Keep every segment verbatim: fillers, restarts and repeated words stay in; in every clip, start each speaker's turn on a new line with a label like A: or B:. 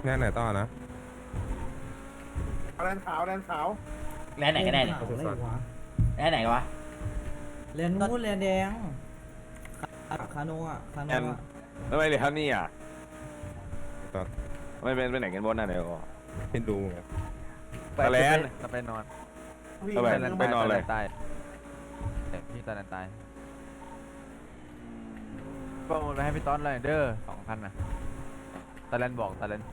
A: แน่ไหนต่อนะ
B: แลนขาวแลนขาว
C: แลนไหนก็ได้เนี่ย
D: อะไรวะ
C: แลนไหนวะ
D: แลนนู้นแลนแดงคาโนอ่ะคาโนอ่ะ
E: ทำไมเหลือเท่านี้อ่ะ
A: ตอน
E: ไม่เป็นไปไหนกันบนน่ะเดี๋ยว
A: เป็นดูไง
E: ตะแลน
F: จะไปนอน
E: ทำไมไปนอนเลย
F: ตายพี่ตาแลนตายประมูลไปให้พี่ต้อนเลยเด้อสองพันนะตาแลนบอกตาแลน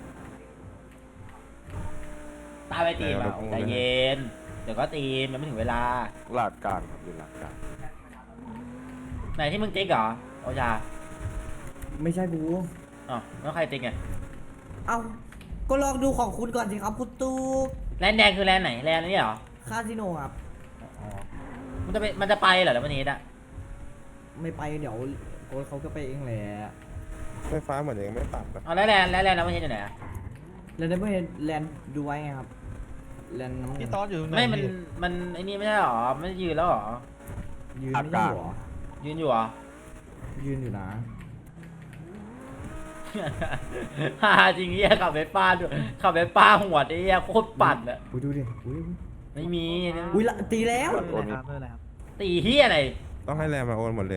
C: ตายไปตีมเอาใจเย็นเดี๋ยวก็ตีมยังไม่ถึงเวลา
E: หลักการครับอยู่หลักการ
C: ไหนที่มึงติ๊กเหรอโอชา
D: ไม่ใช่บู
C: อ๋อแล้วใครติ๊กไง
D: เอ้าก็ลองดูของคุณก่อนสิครับคุณตู
C: แลนแดงคือแลนไหนแลนนี่เหรอ
D: คาสิโนครับ
C: อ๋อมันจะไปมันจะไปเหรอแล้ววันนี้อ่ะ
D: ไม่ไปเดี๋ยวโค้ชเขาก็ไปเองแหละ
A: ไฟฟ้าเหมือนยังไม่ตัดนะ
C: อ๋อแล้วแลนแล้วแลนแล้ววันนี้อยู่ไหนอ่ะ
D: แลนได้ไม่เห็นแลนดูไว้ไงครับแลนน้ำเงิ
B: พี่
D: น
B: ตอนอยู่ตรงไหน
C: ไม่มันมันไอ้นี่ไม่ใช่หรอไม่ยืนแล้วหรอ
D: ยืนไม่ใช่หรอ
C: ยืนอยู่เหรอ
D: ยืนอยู่นะ
C: ฮ่าจริงเหี้ยขับเวสป้าด้วยขับเวสป้าหัวไอ้เหี้ยโคตรปั่นอะ
D: อุ้ยดูดิอุ้ย
C: ไม่มี
D: อุ้ยละตีแล้ว
E: โอนนี้
C: ตีเหี้ยอะไร
A: ต้องให้แรมมาโอนหมดเลย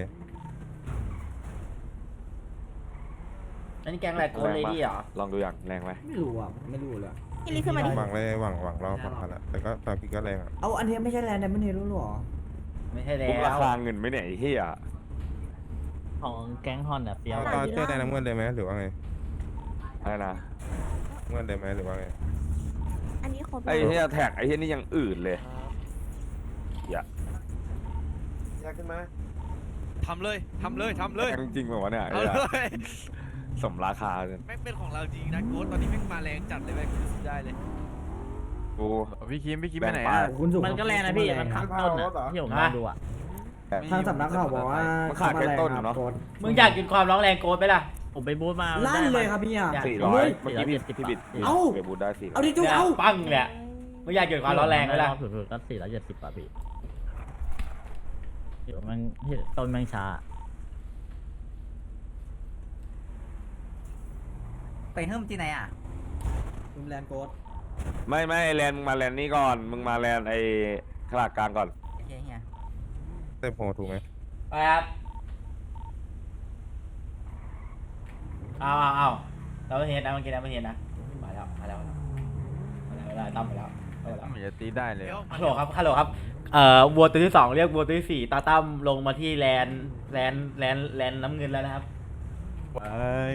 C: อันนี้แกงอะไรโกนเลดี้เหรอ
E: ลองดูอย่างแรงไหม
D: ไม่รู้อ่ะไม่รู้เลย
G: พี่ลิขึ้นมาดิ
A: หวังเลยหวังหวังรอบมาแล้วแต่ก็ตอนพี่ก็แรงอ่ะ
D: เอาอันนี้ไม่ใช่แลนด์ไดมอนด์เฮดหรอ
C: ไม่ใช่แล้
E: คุ้มราว คาเงินไหมเนี่ยไอ้เหี้ย
H: ของแก๊งฮอนอ่ะเปียว
A: เอาตอนเจอแดงน้ำเงินเลยไหมหรือว่าไง
E: อะไรนะ
A: เงินเลยไหมหรือว่าไง
G: อันนี้ครบ
E: ไอ้เหี้ยแท็กไอ้เหี้ยนี่ยังอื่นเลยอย่า
B: อยากขึ้นมา
I: ทำเลยทำเลยทำเลย
E: แท็กจริงๆแบบวะเนี่ย
I: เอาเลย
E: สมราคาเลย
I: แม่งเป็นของเราจริงนะโค้ดตอนนี้แม่งมาแรงจัดเลยแม่งรู้สึกได้เลย
E: กู
F: พี่คิมพี่คิมไปไหน
E: แบ่ง
F: อ่ะ
E: ไป
D: คุณสุ
H: มันก็แรงนะพี่มันขับต้นอ่ะที่ผมมาดูอ่ะ
D: ทางสำนักข่าวบอกว่า
E: มันขาดแค่ต้นเนาะ
C: มึงอยากกินความร้องแรงโกนไหมล่ะ
H: ผมไปบูธมา
D: ลั่นเลยครับพี่อ่ะ
E: สี่ร้อย
H: เ
E: เมื่อกี้พี่พี่บิด
D: เอ้า
E: ไปบูธได้สี่ร้
D: เอา
E: อย
D: ดิจูเอา
C: ปังเนี่ยมึงอยากกินความร้องแรงไหมล่ะ
H: สุดๆก็สี่ร้อยเจ็ดสิบป่ะพี่เดี๋ยวมันต้นแมงชา
D: ไปเฮิ่มที่ไหนอ่ะคุณแลนโกด
E: ไม่ไม่แลนด์มึงมาแลนด์นี่ก่อนมึงมาแลนด์ไอ้ขลาดกลางก่อน
D: เฮียเฮีย
A: เต็มโพถูกไหม
C: ไปครับเอาเอาเอาเราไม่เห็นนะเมื่อกี้นะไม่เห็นนะมาแล้วมาแล้วมาแล้วมาแล้วตั้มมาแล้วมาแล้ว
F: มันจะตีได้เลย
I: เดี๋ยว
C: ฮัลโหลครับฮัลโหลครับเอ่อวัวตัวที่สองเรียกวัวตัวที่สี่ตาตั้มลงมาที่แลนแลนแลนแลนน้ำเงินแล้วนะครับ
F: ว้าย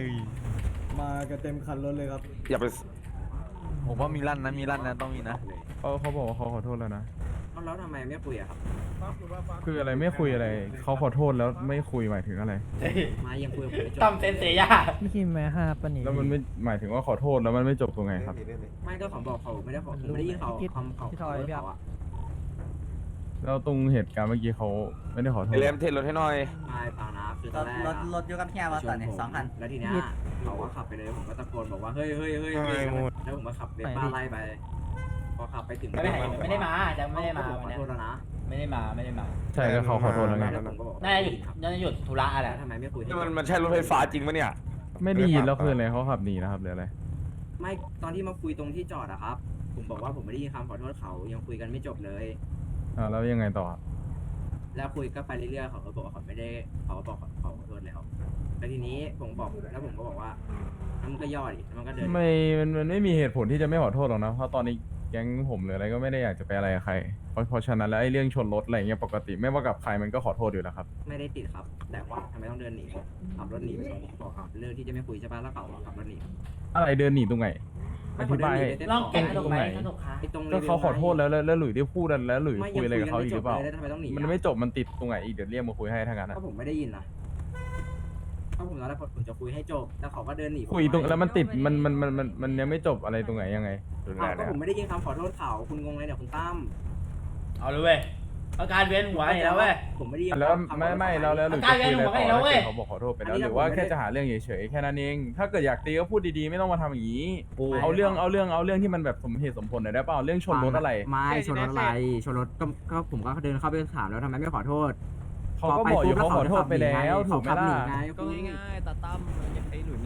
D: มากันเต็มคันรถเลยครับ
E: อย่าไป
F: ผมว่ามีลั่นนะมีลั่นนะต้องมีนะ
J: เขาเขาบอกว่าเขาขอโทษแล้วนะ
B: แล้วทำไมไม่คุยอะครับ
J: คืออะไรไม่คุยอะไร เขาขอโทษแล้วไม่คุยหมายถึงอะไร
B: มายังคุยกับผมไม่จบ
C: ตั้มเซนเซีย
H: พี่คิมแม่ห้าปะนี่
J: แล้วมันไม่หมายถึงว่าขอโทษแล้วมันไม่จบตรงไหนครับ
B: ไม่ก็เขาบอกเขาไม่ได้ขอไม่ได้ยินเขาคำเขาเขาเขาอะ
J: แล้วตรงเหตุการณ์เมื่อกี้เขาไม่ได้ขอโท
E: ไอ้
J: ษ
E: แลมเทรนรถให้หน่อย
B: ไม่เปล่านะคือตอนแรก
D: รถรถอยู่กับเฮียมาตอนนี้สองคัน
B: แล้วทีเนี้ยเขาก็ขับไปเลยผมก็ตะโกนบอกว่าเฮ้ยเฮ้ยเฮ้ยเฮ้ยแล้วผมก็ขับเวสป้าไล่ไปพอขับไปถึง
C: ไม่ได้ไม่ได้มาจะไม่ได้มา
B: ข
C: วัน
B: อ
C: เนี้ย
B: โทษแล้วนะ
C: ไม่ได้มาไม่ได้มา
J: ใช่ก็เขาขอโทษแล้วไง
B: แล้วผมก็บอก
C: น่าจะหยุดน่าจะหยุดธุระอะไร
B: ทำไมไม่คุย
E: นี่มันมันใช่รถไฟฟ้าจริงปะเนี่ย
J: ไม่ได้ยินแล้วคืออะไรเขาขับหนีนะครับหรืออะไร
B: ไม่ตอนที่มาคุยตรงที่จอดอะครับ ผมบอกว่าผมไม่ได้ยินคำขอโทษเขายังคุยกันไม่จบเลย
J: อ่าแล้วยังไงต่อ
B: แล้วคุยก็ไปเรื่อยๆเขาก็บอกว่าเขาไม่ได้เขาก็บอกเขาขอโทษแล้วแล้วทีนี้ผมบอกแล้วผมก็บอกว่าแล้วมันก็ย่อดิแล้วมันก็เดิน
J: ไม่มันมันไม่มีเหตุผลที่จะไม่ขอโทษหรอกนะ เพราะตอนนี้แก๊งผมหรืออะไรก็ไม่ได้อยากจะไปอะไรกับใคร เพราะเพราะฉะนั้นแล้วไอ้เรื่องชนรถอะไรเงี้ยปกติไม่ว่ากับใครมันก็ขอโทษอยู่แล้วครับ
B: ไม่ได้ติดครับ แต่ว่าทำไมต้องเดินหนีขับรถหนีบอกครับเรื่องที่จะไม่คุยใช่ปะแล้วเขาขับรถหนี
J: อะไรเดินหนีตรงไหนอธิบายให้
C: ลองแกะขนมไหมขนมคะ
B: ไอ้ตรง
J: ก็เขาขอโทษแล้วแล้วแล้วหลุยได้พูดแล้วหลุยคุยอะไรกับเขาอีกหรือเปล่า
B: แล้วทำไมต้องหนี
J: มันไม่จบมันติดตรงไหนอีกเดี๋ยวเรียกมาคุยให้ทั้งนั้น
B: ก็
J: อะ
B: ผมไม่ได้ยินนะก็ผมตอนแรกผมจะคุยให้จบแล้วเขาก็เดินหนี
J: คุยตรงแล้วมันติดมันมันมันมันมันยังไม่จบอะไรตรงไหนยังไง
E: รุน
B: อ้า
E: แร
B: ว
E: ง
B: ก็
E: เนี่ย
B: ผมไม่ได้ยินคำขอโทษเขาคุณงงเลยเนี่ยคุณตั้ม
C: เอาเลยเว้ยอาการเวียนหัวเห็นแล้วเว้ย
B: ผมไม่ได้ยิน
J: แล้วไม่ไม่แล้วแล้วหลุยจะคุยอะไรต่อ
C: อาการ
J: แล้ว
C: เว้ย
J: เขาบอกขอโทษไปแล้วหรือว่าแค่จะหาเรื่องเฉยๆแค่นั้นเองถ้าเกิดอยากตีก็พูดดีๆไม่ต้องมาทำอย่างนี้เอาเรื่องเอาเรื่องเอาเรื่องที่มันแบบสมเหตุสมผลหน่อยได้เปล่าเรื่องชนรถอะไร
B: ไม่ชนรถอะไรชนรถก็ก็ผมก็เดินเข้าไปถามแล้วทำไมไม่ขอโทษ
J: เขาก็บอกอยู่เขาขอโทษไปแล้วถูกไหมล่ะ
B: ไง
I: ก็ง่ายๆตาตั้มไอ้หลุยเนี่ย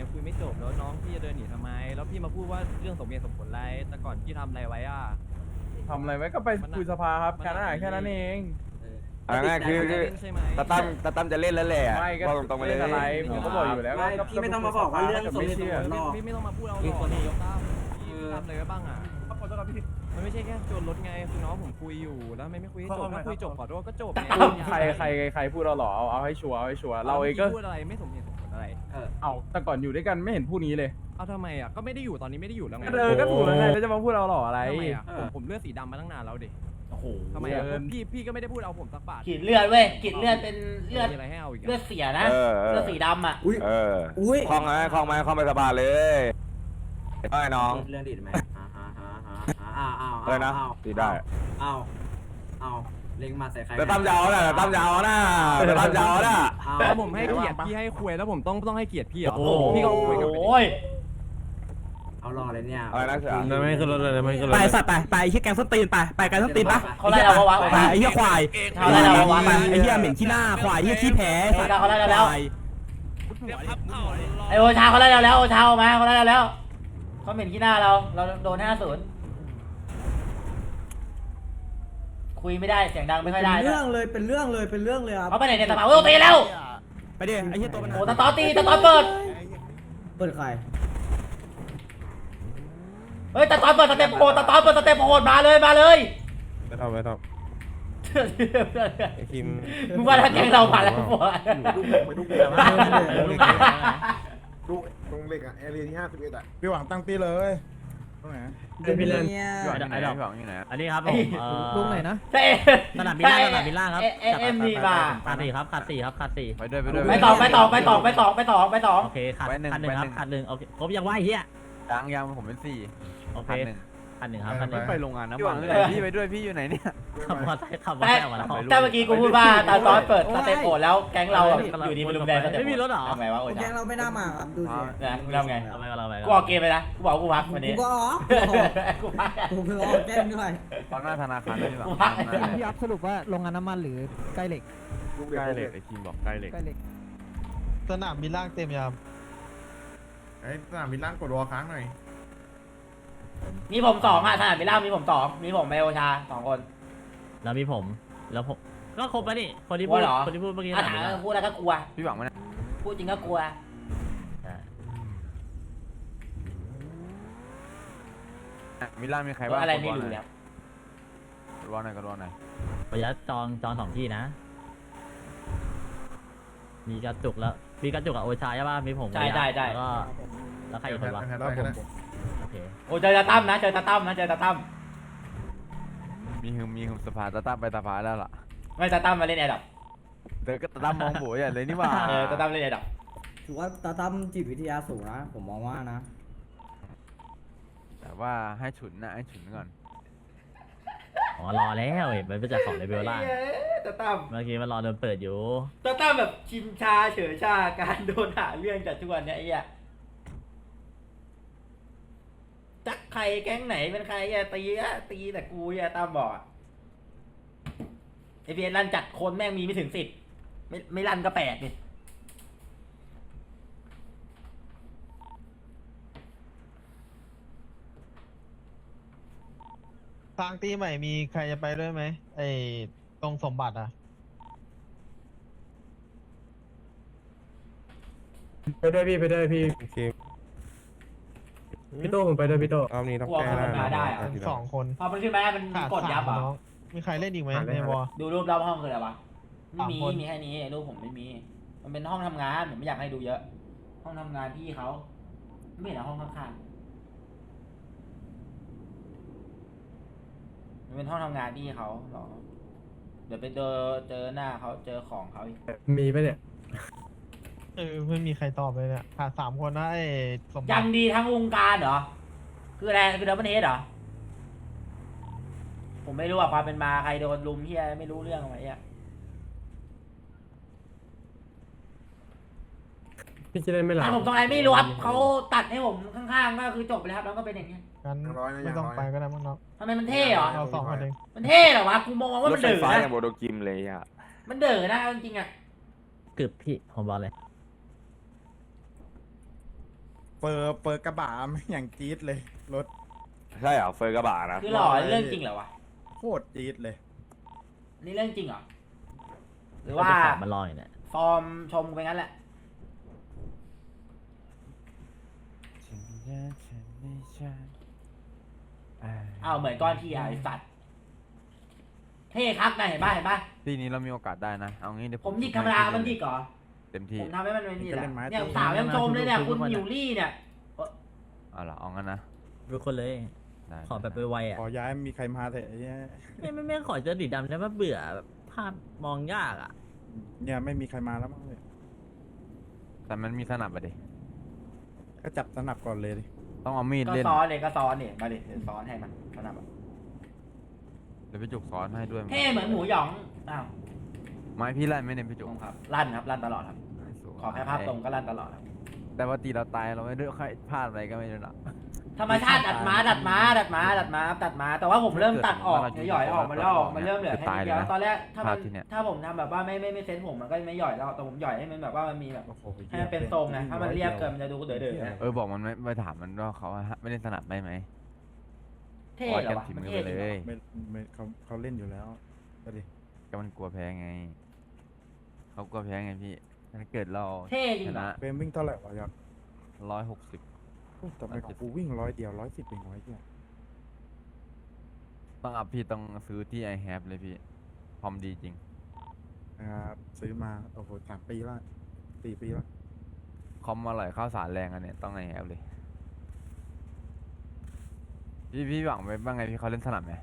I: ยังคุยไม่จบแล้วน้องพี่จะเดินหนีทำไม แล้วพี่มาพูดว่าเรื่องสมเหตุสมผลอะไรแต่ก่อนพี่ทำอะไรไว้อ่ะ
J: ทำอะไรไว้ก็ไปคุยสภาครับแค่นั้นแค่นั้นเอง
E: เอาง่ายๆคือคือ
I: ใช่ไหม
E: ตาตั้มตาตั้มจะเล่นแล้วแหละ
J: ไม่ก็
E: บอกตรงๆไปเลย
J: เล่นอะไรผมก็บอกอยู่แล้ว
B: ไม่
J: ก็
B: พี่ไม่ต้องมาบอกว่าเรื่องสมเหตุสมผลหรอก
I: พี่ไม่ต้องมาพูดเอาหรอกยกตั้มพี่ทำอะไรไว้บ้างอ่ะมันไม่ใช่แค่โจรรถไงคือน้องผมคุยอยู่แล้วไม่ไม่คุยให้จบถ้าคุยจบขอโทษก็จบไง
J: ใครใครใครพูดเราหรอเอาเอาให้ชัวร์เอาให้ชัวร์เราเองก็
I: พูดอะไรไม่สมเหตุสมผลอะไร
J: เอาแต่ก่อนอยู่ด้วยกันไม่เห็นพูดนี้เลย
I: เอาทำไมอ่ะก็ไม่ได้อยู่ตอนนี้ไม่ได้อยู่แล้วไง
J: เออก็ถูกแล้วไงแล้วจะมาพูดเราหรออะไร
I: ทำไมอ่ะผมผมเลือดสีดำมาตั้งนานแล้วดิ
C: โอ้โห
I: ทำไมอ่ะ
J: เกิน
I: พี่พี่ก็ไม่ได้พูดเอาผมสักบาท
C: กรีดเลือดเว้ยกรีดเลือดเป็นเลือด
I: มีอะไรให้เอาอีก
C: เลือ
I: อ่ะ
C: ดเสียนะ
E: เออเออ
C: เลือดสีดำอ่ะ
E: เออ
D: อุ้ย
E: คล่องไหมคล่องไหมคล่องไปสบายเลยไอ้น้อง
B: เรื่องดีดไหมอ่าฮะฮะฮะอ้าวอ้าว
E: อะไรนะตีได้
B: อ้าวอ้าวเล็งมาใส่ใคร
E: แต่ตั้มยาวนะแต่ตั้มยาวนะแต่ตั้มยาวนะ
B: อ้าว
I: แล้วผมให้เกียรติพี่ให้คุยแล้วผมต้องต้องให้เกียรติพี่เหรอ
C: โอ้โห
I: พี่ก็คุยกับไปดิ
C: โอ้ย
B: เอารอเลยเนี่ย
E: อะไรนะเสือ
A: ไม่ขึ้นรถเลยไม่ขึ้นรถ
D: ไปสัตว์ไปไปไอ้เหี้ยแกงส้นตีนไปไปแกงส้นตีนปะ
C: เขาไล่เราวะวะ
D: ไปไอ้เหี้ยควาย
C: เขาไล่เราวะ
D: ไปไอ้เหี้ยเหม็นขี้หน้าควายไอ้เหี้ยขี้แพ้
C: เออเขาไล่เราแล้ว
D: ควาย
I: เดี๋ยวครับเอาเลย
C: ไอโอชาเขาไล่เราแล้วโอชาออกมาเขาไล่เราแล้วเขาเหม็นขี้หน้าเราเราโดนห้าศูนย์คุยไม่ได้เสียงดังไม่ค่อยได้
D: เป็น
C: ด้ว
D: เรื่
C: ย
D: องเลยเป็นเรื่องเลยเป็นเรื่องเลยครับ
C: เขาไปไหนเนี่ยสภาโอ้ยตีแล้ว
D: ไปดิไอ้เหี้ยตัวมัน
C: โอ้ตะตอตีตะตอเปิด
D: เปิดใคร
C: เฮ้ยตะตอเปิดสเต็ปโหดตะตอเปิดสเต็ปโหดมาเลยมาเลย
A: ไม่ทำไม่ทำไอ้คิม
C: มึงว่าถ้าแกงเราผ่านแล้วปะ
A: ไปดูดูตรงเหล็กอะแอเรียที่ห้าสิบเอ็ดอะพี่หวังตั้งตีเลยตรงไหน
D: เป็นเนี่ย
J: พี่หวังที่ไหนพี่หวังที่ไหน
H: อันนี้ครับผมเอ่อ ลุงไหนนะ
C: ใช่
H: สนามบินล่างสนามบินล่างครับ
C: เอ็มเอ็มดีมา
H: ขาดสี่ครับขาดสี่ครับขาดสี่
J: ไปด้วยไปด้วย
C: ไปต่อไปต่อไปต่อไปต่อไปต่อไปต่อ
H: โอเคขาด
J: ไว้หนึ่ง
H: ขาดหนึ่งครับ
J: ไว้หนึ่ง
H: ขาดหนึ่งโอเคครบยังไหวเฮีย
J: ยังยังผมเป็นสี่
H: โอเค
J: พันหนึ่ง
H: ขาดหนึ่งครับขาดหนึ่ง
J: ไปโรงงานน้ำมันพี่ไปด้วยพี่อยู่ไหนเนี่ย
H: ขับมอเตอร์ไซค์ขับมอเตอ
C: แต่
H: ร์ไซค์ออกมาแล้ว
C: แต่เมื่อกี้กูพูดว่าตอนตอนเปิดสเต็ปโหดแล้วแก๊งเราอยู่ดีมาลุมแดงสเต็ป
H: ไม่มีรถเหรอ
C: ทำไงวะโอ้ย
D: แกงเราไม่น่ามาครับดูสิ
C: นะมึงทำไง
H: เอาไปก็เราไป
C: กูออกเกมไปนะกูบอกกูพักวัน
D: กู
C: นี้
D: ก็ออก
C: กูพัก
D: กูเพิ่งออกแกงด้วย
J: ตอนหน้าธนาคารได้พี่หวัง
C: กูพัก
H: พี่อัพสรุปว่าโรงงานน้ำมันหรือใกล้เหล็ก
J: ใกล้เหล็กไอ้ทีมบอกใกล้เหล็ก
H: ใกล้เหล็ก
F: สนามบินล่างเต็มยาม
A: ไอ้สนามบินล่างกดวอลค้างหน่อย
C: มีผมสองอ่ะสนามบินล่างมีผมสองมีผมไมโอชาสองคน
H: แล้วมีผมแล้วผมก็ครบแล้วนี่คนที่พู
C: ว่า
H: ด
C: เหรอ
H: คนที่พูดเมื่อกี้
C: อ่ะ
H: สนาม
C: ถาม
H: บินล่าง
C: พูดแล้วก็กลัว
J: พี่หวังมัน
C: พูดจริงก็กลัว
H: ใช่
J: มิลานมีใครบ้าง
C: อะไรไม่รู้แล้ว
J: กดวอลหน่อยกดวอลหน่อย
H: ประหยัดจองจองสองที่นะ มีกระจุกแล้วมีกระจุกกับโอชาใช่ป่ะมีผม
C: ใช่ใช่ใช่
H: แล้วก็แล้วใครอีกคนวะ
A: แล้วผม
H: โอเค
C: โอ้เจอตาตั้มนะเจอตาตั้มนะเจอตาตั้ม
J: มีฮึมมีฮึมสภาตาตั้มไปสภาแล้วล่ะ
C: ไม่ตาตั้มมาเล่นแอร์ดับ
J: เดี๋ยวก็ตาตั้มมองโบยเลยนี่หว่า
C: เออตาตั้มเล่นแอร์ดับ
D: ถือว่าตาตั้มจิตวิทยาสูงนะผมมองว่านะ
J: แต่ว่าให้ฉุนนะให้ฉุนก่อน
H: อ๋อรอแล้วเห็นมันเป็นจากของเลเวลล่าง
C: ตาตั้ม
H: เมื่อกี้มันรอโดนเปิดอยู่
C: ตาตั้มแบบชิมชาเฉยชาการโดนหาเรื่องจากทุกวันเนี้ยไอ้เหี้ยจักใครแก๊งไหนเป็นใครอะตีอะตีแต่กูอะตามบอกไอพีเอ็นรันจัดคนแม่งมีไม่ถึงสิบไม่ไม่รันก็แปดนี่
F: ทางตีใหม่มีใครจะไปด้วยไหมไอ้ตรงสมบัติอ่ะ
K: ไปด้วยพี่ไปด้วยพี่
A: โอเค
K: พี่โต้ผมไปด้วยพี่โต้
A: รอบนี้ต้อง
C: กลัว
A: แก้
C: มัน
A: ได้
C: มาได้อะ
F: เป็นสองคน
C: พอมันขึ้นมาได้มัน
F: ขาด
C: กดยับ
F: สา
C: อ่ะ
F: มน้องมีใครเล่นอีกไหมในวอล
C: ดูรูปรอบห้องคืออะไรวะไม่มี
F: สามคน
C: มีแค่นี้รูปผมไม่มี มันเป็นห้องทำงานผมไม่อยากให้ดูเยอะ ห้องทำงานพี่เขาไม่เห็นเหรอห้องข้างๆมันเป็นห้องทำงานพี่เขาหรอเดี๋ยวไปเจอเจอหน้าเขาเจอของเขาอีก
K: มีปะเนี่ย
F: เออไม่มีใครตอบเลยเนี่ยขาดสามคนนะไอ้สมบั
C: ยัง
F: ติ
C: ดีทั้งวงการเหรอคืออะไรคือดับเบิลเฮดเหรอผมไม่รู้ว่าความเป็นมาใครโดนลุมเฮียไม่รู้เรื่องอะไรอ่ะ
K: พี่จะได้ไม่หลั
C: ตั
K: บ
C: ดผมตรงไหนไม่รู้ครับเขาตัดให้ผมข้างๆก็คือจบไปแล้วครับแล้วก็เป็นอย่างเงี้ย
F: งั้นไม่ต้องไปก็ได้มั้งเนาะ
C: ทำไมมันเท่เหรอ
F: เราสองคนเอง
C: มันเท่เหรอวะกูมองว่าร มั
E: ถ
C: น
E: ไฟ
C: เดือ
E: ฟ้า
C: นะ
E: อย่างโบโดกิมเลยอ่ะ
C: มันเดือนะจริงๆอ่ะ
H: กึบพี่ผมบอกเลย
A: เปิดเปิดกระบะไม่อย่างจี๊ดเลยรถ
E: ใช่เหรอเฟอร์กระบะนะ
C: คือหล่อเรื่องจริงเหรอวะ
A: โคตรจี๊ดเลย
C: นี่เรื่องจริงเหรอหรือ
H: ว่า
C: ว่า
H: มันลอยเนี่ย
C: ฟอร์มชมไปงั้นแหละอ้าวเหมือนก้อนที่ไอ้สัตว์เท่ครับนะเห็นป่ะเห็นป่ะ
F: ทีนี้เรามีโอกาสได้นะ เอางี้เดี๋ยว
C: ผมดิกธรรมดามันดิกเหรอ
F: เต็มที่
C: ผมทำให้มันเป็นนี่แหละ
A: จะเล่นไม้
C: เนี่ย
A: ตี
C: สาวยังชมเลยเนี่ยคุณอยู่รี่เนี่ย
F: เอาล่ะเอางั้นนะ
H: ทุกคนเลย
F: ได้
H: ขอแบบไวๆอ่ะ
A: ขอย้ายมีใครมาเถอะไอ้เหี้ย
H: ไม่ไม่ไม่ขอเจอสีดำได้ปะเบื่อแบบภาพมองยากอ่ะ
A: เนี่ยไม่มีใครมาแล้วมั้งเลย
F: แต่มันมีสนับอะดิ
A: ก็จับสนับก่อนเลยดิ
F: ต้องเอามีด
C: ก็
F: เล่น
C: ซ้อนเลยก็ซ้อนเนี่ยมาดิเดี๋ยวซ้อนให้มันขนาดแบบ
F: เดี๋ยวพี่จุกสอนให้ด้วย
C: เท่เหมือนหมูหยองอ้าว
F: ไม้พี่ไล่ไม่เน้นพี่จุก
C: ครับลั่นครับลั่นตลอดครับ
F: สวย
C: ขอแค่ภาพตรงก็ลั่นตลอดครับ
F: แต่ว่าตีเราตายเราไม่ได้ค่อยพลาดอะไรก็ไม่รู้นะ
C: ธรรมชาติดัดม้าดัดม้าดัดม้าดัดม้าดัดม้าแต่ว่าผมเริ่มตัดออกหย่อยๆออกมาแล้วออกมันเริ่มเหลือแค่นิดเดียวตอนแรกถ้ามันถ้าผมทำแบบว่าไม่ไม่ไม่เซ็ตผมมันก็ไม่หย่อยแล้วแต่ผมหย่อยให้มันแบบว่ามันมีแบบ
A: โอ้โห
C: ให้มันเป็นทรงไงถ้ามันเรียบเกินมันจะดูเด๋อๆนะ
F: เออบอกมันไม่ไปถามมันว่าเขาไม่เล่นสนับได้ไหม
C: เท่เหรอวะ
F: ฝี
C: มัน
F: มือ
C: เท่
F: ไป
C: จริง
F: เล
C: เหรอย
A: ไม่ไม่เขาเขาเล่นอยู่แล้วก็ดิ
F: ก็มันกลัวแพ้ไงเขากลัวแพ้ไงพี่ถ้าเกิดเรา
C: เท่จริ
F: ช
C: งเหรอ
F: นะ
A: เป็นวิ่งเท่าไหร่วะอยาก
F: ร้อยหกสิบ
A: ทำไมของกูวิ่งร้อยเดียวร้อยสิบเองร้อยเดียว
F: ต้องอัพพี่ต้องซื้อที่ i have เลยพี่พร้อมดีจริง
A: นะครับซื้อมาโอ้โหสามปีละสี่ปีละ
F: คอมอร่อยข้าวสารแรงอันเนี้ยต้อง i have เลย พี่พี่หวังไว้บ้างไงพี่เขาเล่นสนับไหม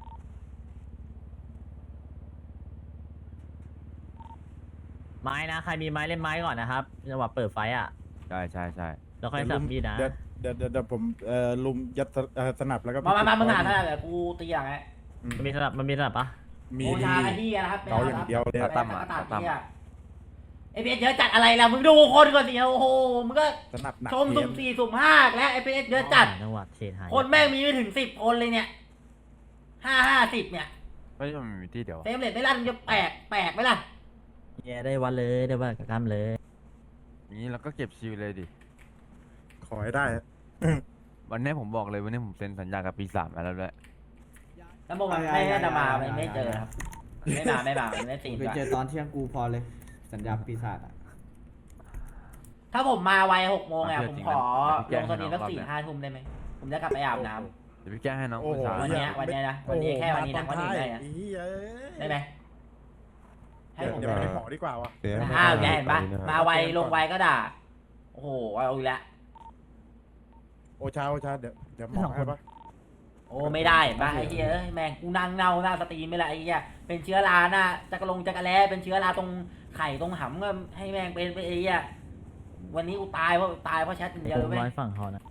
H: ไม้นะใครมีไม้เล่นไม้ก่อนนะครับจังหวะเปิดไฟอ่ะ
F: ใช่ใช่ใช่
H: แล้วค่อยสับมีดนะ
A: เดี๋ยวเดี๋ยวเดี๋ยวเดี๋ยวผมเอ่อลุมยัดสเอ่อสนับแล้วก็
C: มามามามึงหา
A: ปิ
C: ข
A: ด
C: นาดแบบกูตีอย่างไง
A: อืม
H: มันมีสนับมันมีสนับปะ
A: มี
C: โอ
A: ดี
C: ชาไอ้ที่นะครับ
A: เกาอย่างเดียวเลย
C: ตาตั้มอ่ะตาตั้มไอพีเอสเยอะจัดอะไรล่ะมึงดูคนก่อนสิโอ้โหมึงก็
A: สนับหนัก
C: ชม
A: เก
C: สุ่มสี่สุ่มห้าแล้วไอพีเอสเยอะจัด
H: จังหวะเททาย
C: คนแม่งมีไม่ถึงสิบคนเลยเนี่ยห้าห้าสิบเนี่ย
F: ไม่ใช่มันมีที่เดียว
C: เฟรมเรทไม่ลั่นจะแปลกแปลกไหมล่ะ
H: แย่ได้วันเลยได้วันกับกล้ามเลย
F: อย่างนี้เราก็เก็บชิวเลยดิ
A: ขอให้ได้
F: วันนี้ผมบอกเลยวันนี้ผมเซ็นสัญญากับปีศาจมาแล้วด้วย
C: แล้วโมมันไม่น่าจะมาไม่ไม่เจอครับไม่มาไม่มาไม่ได้ตีน
D: ไป
C: ด้วย
D: เจอตอนเที่ยงกูพอเลย สัญญาปีศาจอ่ะ
C: ถ้าผมมาไวหกโมงอ่ะผมขอลงสตรีมสักสี่ห้าทุ่มได้ไหมผมจะกลับไปอาบน้
F: เดี๋ยวพี่แก้ให้น้อง
A: โอ้
F: ผู้
A: โห
F: ชาย
C: วันเนี้ยวันเนี้ยนะวันนี้แค่วันนี้นะวันนี้ได้นะ
A: โอ้โหมาตอนท้าย
C: ำได้ไหมให้
A: เดี๋ยว
C: ผม
A: เดี๋ยวไปหมอดีกว่าวะ
C: อ้าวแกเห็นปะมาไวลงไวก็ด่าโอ้โหเอาอีกแล้ว
A: โอชาโอชาเดี๋ยวเดี๋ยวหมอให้ปะ
C: โอ้ไม่ได้เห็นปะไอ้เหี้ยเอ้ยแม่งกูนั่งเน่าหน้าสตรีมไม่ละไอ้เหี้ยเป็นเชื้อราหน้าจักรลงจักรแล้เป็นเชื้อราตรงไข่ตรงหำก็ให้แม่งเป็นไปไอ้เหี้ยวันนี้กูตายเพราะตายเพราะแชทอย่างเดียว
H: ผ
C: เลย
H: ม
C: เว้ย
H: ร้อยฝั่งเขานะ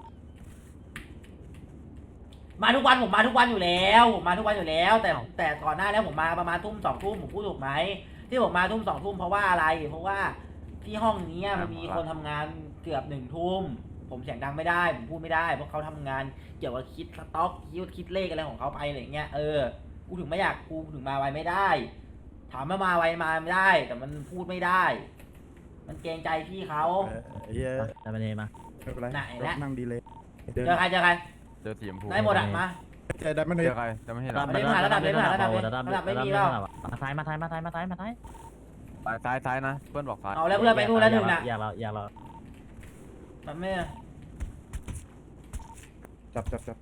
C: มาทุกวันผมมาทุกวันอยู่แล้วผมมาทุกวันอยู่แล้ว แต่แต่ก่อนหน้านี้ผมมาประมาณทุ่มสองทุ่มผมพูดถูกไหมที่ผมมาทุ่มสองทุ่มเพราะว่าอะไร เพราะว่าที่ห้องนี้มันมีคนทำงานเกือบหนึ่งทุ่มผมเสียงดังไม่ได้ผมพูดไม่ได้เพราะเขาทำงานเกี่ยวกับคิดสต็อกคิดคิดเลขอะไรของเขาไปอะไรเงี้ยเออกูถึงไม่อยากกูถึงมาไวไม่ได้ ถามว่ามาไวมาไม่ได้ แต่มันพูดไม่ได้ มันเกรงใจพี่เขา
A: เออไอ้เหี้ย
H: ได้มาเลยมา
A: ไม่เป็นไร
C: ไหนละ
A: นั่งดีเลย
C: เจอใครเจอใคร
F: เจอสีชมพู
C: ได้หมดอ่ะมา
A: เจอได้ไม่ได้
F: เจอใครจะไม่ให้
C: ระ
F: เรา
C: ดับ ไม่ผ่านระดับไม่ผ่านระดับไม่ระดับไม่มีเปล่า
H: มาท้ายมาท้ายมาท้ายมาท้ายมาท้าย
F: ซ้ายซ้ายนะเพื่อนบอกซ้าย
C: เอาแล้วเพื่อนไปนู่นแล้วหนึ่งน่ะ
H: อยากเราอยากเรา
C: มันไม่
A: จับจับจับ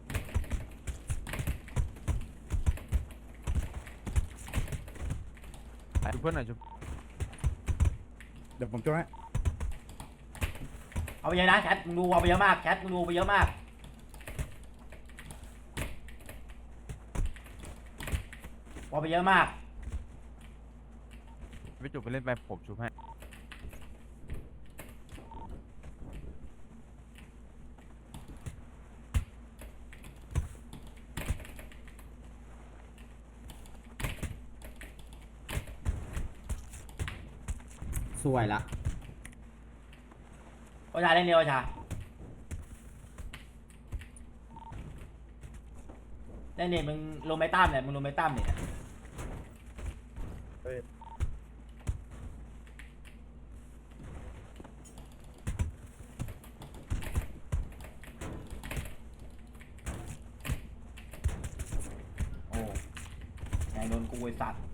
F: ชุบเพื่อนหน่อยชุบ
A: เดี๋ยวผมช่วยให้
C: เอาไปเยอะนะแชทมึงดูเอาไปเยอะมากแชทมึงดูไปเยอะมากเอาไปเยอะมาก
F: พี่จุกไปเล่นไปผมชุบให้
D: สวยละ
C: โอชาเล่นเร็วโอชาเล่นเนี่ยมึงลงไม่ตั้มเนี่ยมึงลงไม่ตั้มเนี่ย
A: เฮ้ย
C: มโดนกูไอ้สัตว์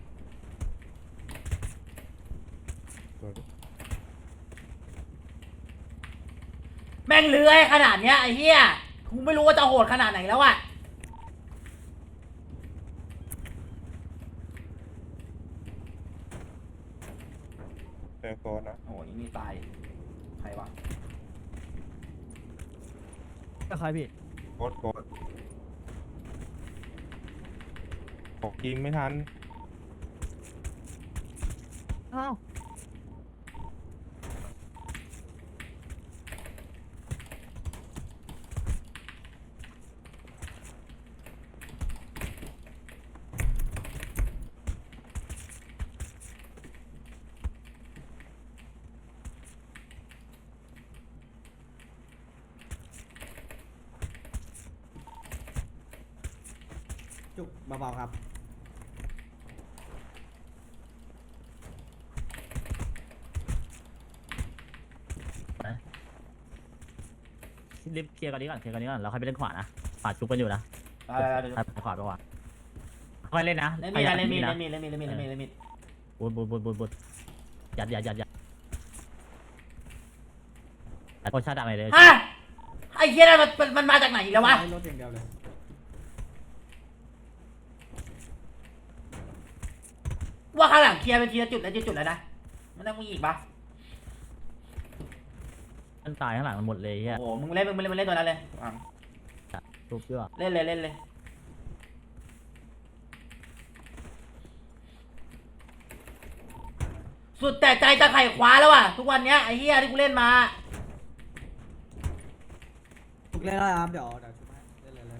C: แม่งเลื้อยขนาดเนี้ยไอ้เหี้ยกูไม่รู้ว่าจะโหดขนาดไหนแล้วอะเจอโกนนะโอ้ยนี่ตายใครวะ
I: ใครพี่
A: โคตรโคตรบอกยิงไม่ทัน
I: อ้าว
D: จุกเบาๆครับ
H: รีบเคลียร์กันนี้ก่อนเคลียร์กันนี้ก่อนเราค่อยไปเล่นขวานะขวาชุบกันอยู่นะ
C: ไปไปไป
H: ไปขวาไปขวาค่อยเล่นนะ
C: เล่นมีดเล่นมีดเล่นมีดเล่นมีดเล่นมีดเล่นมีดเล่นมีด
H: บุดบุดบุดบุดบุดยัดยัดยัดยัดแต่คนชาติดำไปเลย
C: ฮะไอ้เหี้ยนั่นมันมันมันมาจากไหนอีกแล้ววะ
D: ให้รถอย่างเดียวเลย
C: ว่าข้างหลังเคลียร์เป็นทีละจุดแล้วจุดจุดแล้วนะมันต้องมีอีกปะ
H: มันตายข้างหลังมันหมดเลยเฮีย
C: โอ้โหมึงเล่นมึงเล่นมึงเล่นตัวนั้นเลยอ่ะ
H: ชุบเยอะ
C: เล่นเลยเล่นเลยสุดแต่ใจจะไขว่คว้าแล้วอ่ะทุกวันเนี้ยไอ้เหี้ยที่กูเล่นมา
D: จุกเล่นได้ครับ เดี๋ยวเดี๋ยวชุบให้เล่นเลยเลย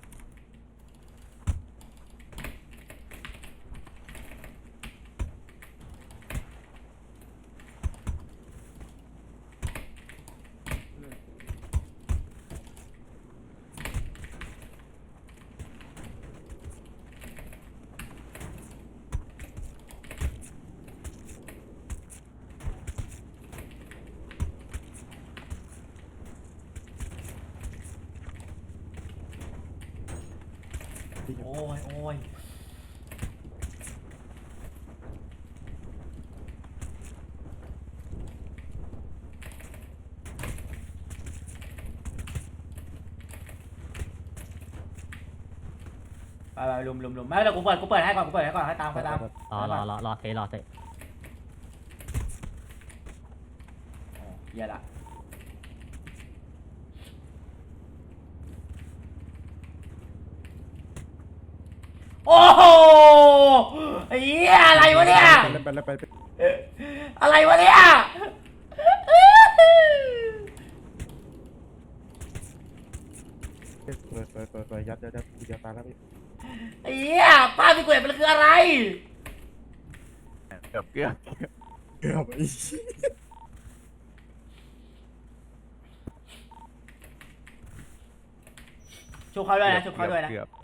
C: โอ้ยโอ้ยไปไปลุมลุมลุมไม่เดี๋ยวกูเปิดกูเปิดให้ก่อนกูเปิดให้ก่อนให้ตามให้ตาม
H: รอรอรอรอเทรอเท
C: โอ้เหี้ยละโอ้โหไอ้เหี้ยอะไรวะเนี่ย
A: ไปไปไปไป
C: อะไรวะเนี่ย
A: เปิดเปิดเปิดเปิดยัดยัดยัดยัดตาแล้วพี่
C: ไอ้เหี้ยภาพที่กูเห็นมันคืออะไร
F: เกือบเกือบ
A: เกือบไอ้
C: ชุบเขาด้วยนะชุบเขาด้วยนะ
F: เกือบ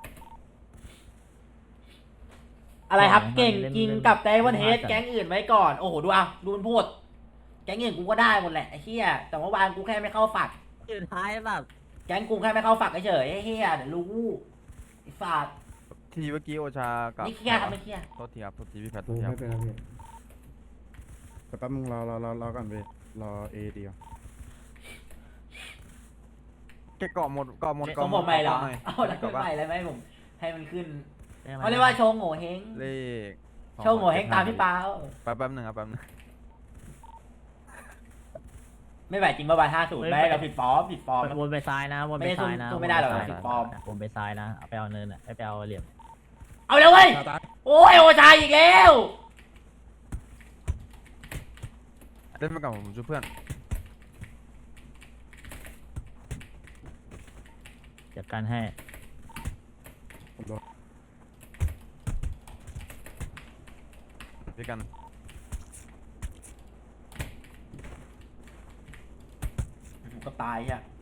C: อะไรครับเก่งจริงกับไดวันเฮดแก๊งอื่นไว้ก่อนโอ้โหดูอ่ะดูมันพูดแก๊งอื่นกูก็ได้หมดแหละไอ้เหี้ยแต่เมื่อวานกูแค่ไม่เข้าฝัก
H: สุดท้ายแบบ
C: แก๊งกูแค่ไม่เข้าฝักเฉยไอ้เหี้ยเดี๋ยวรู้ไอ้ฝาด
F: ทีเมื่อกี้โอชากับ
C: ไม่เครียดครับไม่เครียด
F: โทษทีครับโทษทีพี่แพทโท
D: โอ้
F: ษทีค
D: ไม่
F: รับ
D: เป็นไรพี่
A: แต่แป๊บนึงรอรอรอรอก่อนพี่รอเอเดียว
F: แกเกาะหมดเกาะหมด
C: ส
F: เกาะ
C: ม
F: หม
C: ผ
F: ด
C: มใหม่เหรอ
F: หน่อย
C: เอาแล้วขึ้น
F: เกาะ
C: ให
F: ปะ
C: ม่เลยไหมผมให้มันขึ้น
H: ได้ไหม
C: เขาเรียกว่าโชว์โง่เฮง
F: เลข
C: โชว์โง่เฮงตามพี่เปา
F: แป๊บแป๊บหนึ่งครับแป๊บหนึง
C: ไม่ไหวจริงเมื่อวานห้าศูนย์ไม่เราผิดฟอร์มผิดฟอร์ม
H: วนไปซ้ายนะวนไปซ้ายนะ
C: ไม่ได้สู้ไม่ได้หรอก
H: วนป
C: ผิด
H: ซ้าย
C: ฟอร์ม
H: วนไปซ้ายนะเอาไปเอาเนินอ่ะไปเอาเหลี่ยม
C: เอาแล้วเว้ย
A: ตาตา
C: โอ้ยโอชายอีกแล้ว
F: เล่นไปก่อนผมช่วยเพื่อน
H: จัดการให้
A: ผมโดน
F: ด้วยกัน
C: ก็ตายอ่ะ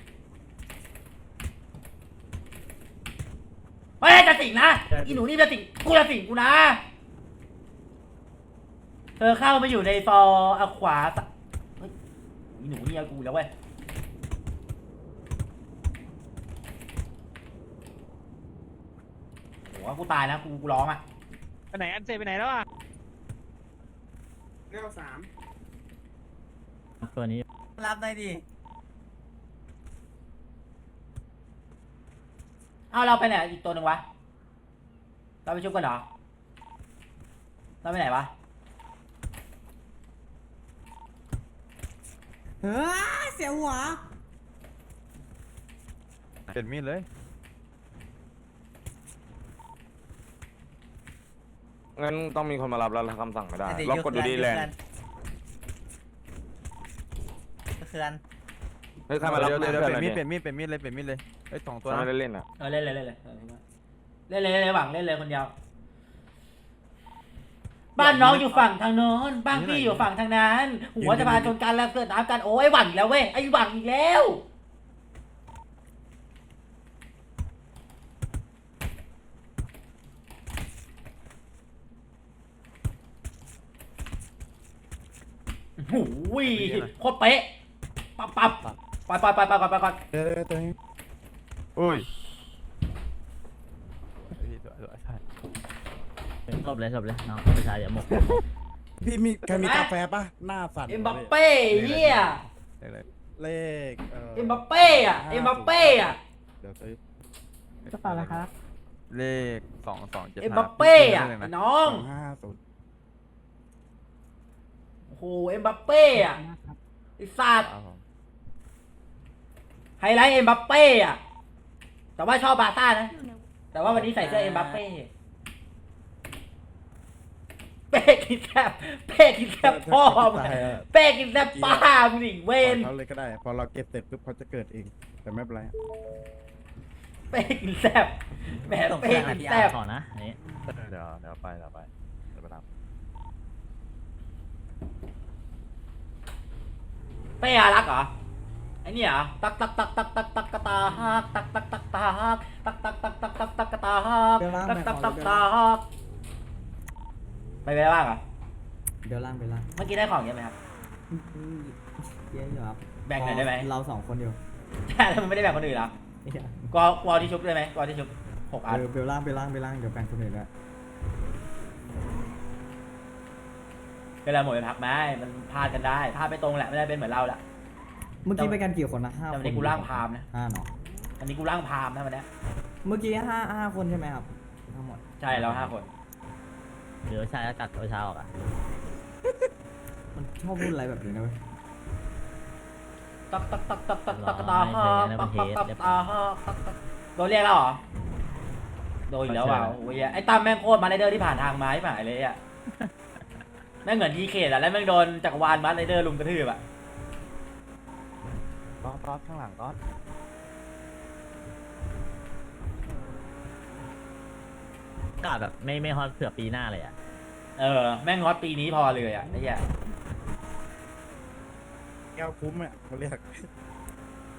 C: เฮ้ยจะสิงนะอีหนูนี่จะสิงกูจะสิงกูนะเธอเข้ามาอยู่ในฟอร์เอาขวาสะเฮ้ยอีหนูนี่เอากูแล้วเว้ยโหว่ากูตายนะกูกูร้องอ่ะ
H: ไปไหนอันเซไปไหนแล้วอ่ะ
A: เก้าสาม
H: ตัวนี้
D: รับได้ดิ
C: เอาเราไปไหนอีกตัวหนึ่งวะเราไปชุบกันเหรอเราไปไหนวะ
D: เฮ้ยเสียหัว
F: เปลี่ยนมีดเลย
E: งั้นต้องมีคนมารับแล้วคำสั่งไม่ได้ล็อกกดดูดีแลนด์
D: เขื่อน
E: เฮ้ยใครมารับ
F: เดี๋ยวเดี๋ยวเดี๋ยว
E: เพื่
F: เป
E: อน
F: ลี่ยน
E: ห
F: มี
E: น่
F: ด
E: อย
F: เปลี่ยนมีดเปลี่ยนมีดเลยเปลี่ยนมีดเลยเอ้ยสองตัว
E: ตัว
F: นะ
E: ไม่ได้เล่นอ่ะ
C: เออเล่นเลยเล่นเลยเออเล่นเลยเล่นเลยหวังเล่นเลยคนเดียวบ้านน้องอยู่ฝั่งทางโน้นบ้านพี่อยู่ฝั่งทางนั้น หัวจะพาชนกันแล้วเกิดน้ำกันโอ้ยหวังอีกแล้วเว้ยไอ้หวังอีกแล้วโอ้ยโคตรเป๊ะปั๊บปั๊บไปไปไปไปไปไปก่อน
A: เดี๋ยวเดี๋ยวตัวนี้
F: อุ้ยพี่ตัวตัวใช่
H: จบเลยจบเลยน้องประชาอย่าหมก
A: พี่มีใครมีกาแฟปะหน้าสั่น
C: เอ็มบัปเป้เฮีย
F: เลขเลย
A: เลขเอ่อ
C: เอ็มบัปเป้อะเอ็มบัปเป้อะ
A: เดี๋ยวซื้อก
H: ระเป๋าละครับ
F: เลขสองสองเจ็ด
C: เอ็ม
F: ห้า
C: บัปเป้อะ
F: พี่ซื้อ
C: น้อง
A: สองห้าศูนย์
C: โอ้โหเอ็มบัปเป้อะไอ้สัตว์
F: ครับผม
C: ไฮไลท์เอ็มบัปเป้อะแต่ว่าชอบบาร์ซ่านะ แต่ว่าวันนี้ใส่เสื้อเอ็มบัปเป้เป้กินแซบเป้กินแซบพ่อมึง
A: ตายอะ
C: เป้กินแซบป้ามึงอีกเว
A: ปล่อย
C: น
A: เขาเลยก็ได้ พอเราเก็บเสร็จปุ๊บเขาจะเกิดเอง แต่ไม่เป็นไร
C: เป้กินแซบแหม
H: ส่ง
C: เป้
H: เพื่อน
C: กิน
H: ที่
C: แซ
H: อา
C: บ
H: ก่อนนะอันนี้
F: เดี๋ยวเดี๋ยวไปเดี๋ยวไปเดี๋ยวไปรับ
C: เป้อารักเหรอไอ้นี่เหรอตักตักตักตักตักตักกะตาฮักตักตักตักตาฮักตักตักตักตักตักตักกะตาฮักตักตักตักตาฮักไปไปได้บ้างเหรอ
D: เดี๋ยวล่างไปล่าง
C: เมื่อกี้ได้ของเยอะไหมครับ
D: อืมเยอะอยู่ครับ
C: แบ่งหน่อยได้ไหม
D: เราสองคนอยู่
C: ใช่แล้วมึงไม่ได้แบ่งคนอื่นเหรอ
D: เหี้ย
C: กอกูเอาที่ชุบได้ไหมกอที่ชุบหกอัน
D: เออเบลล่างไปล่างไปล่างเดี๋ยวแบ่งคนอื่นด้วย
C: เวลาหมดไปพักไหมมันพลาดกันได้พลาดไปตรงแหละไม่ได้เป็นเหมือนเราแหละ
D: เมื่อกี้ไปกันกี่คนนะห้า
C: แต่
D: ค
C: วัน
D: น
C: นี้กูร่างพามนะ
D: ห้าเนาะ
C: วันนี้กูร่างพามนะวันเนี้ย
D: เมื่อกี้ห้าห้าคนใช่ไหมครับทั้งหมด
C: ใช่เราห้าคน
H: เดี๋ยวชายกัดตัวชาออกอ่ะ
D: มันชอบพูดอะไรแบบนี้นะเว้ย
C: ตักตักตักตักตักตักตาฮักตักตักตักตาฮักตักตักโดนเรียกแล้วเหรอโดนอีกแล้วว่ะโอ้ยไอ้ตั้มแม่งโคตรมาไรเดอร์ที่ผ่านทางไม้ผ่านเลยอ่ะแม่งเหมือนทีเคดอะแล้วแม่งโดนจักรวาลมาไรเดอร์ลุมกระทืบอะ
F: ต๊อดต๊อดข้างหลังต๊อด
H: กาดแบบไม่ไม่ฮอตเผื่อปีหน้าเลยอ่ะ
C: เออแม่งงอดปีนี้พอเลยอ่ะไอ้เหี้ย
A: แก้วคุ้มอ่ะเขาเรียก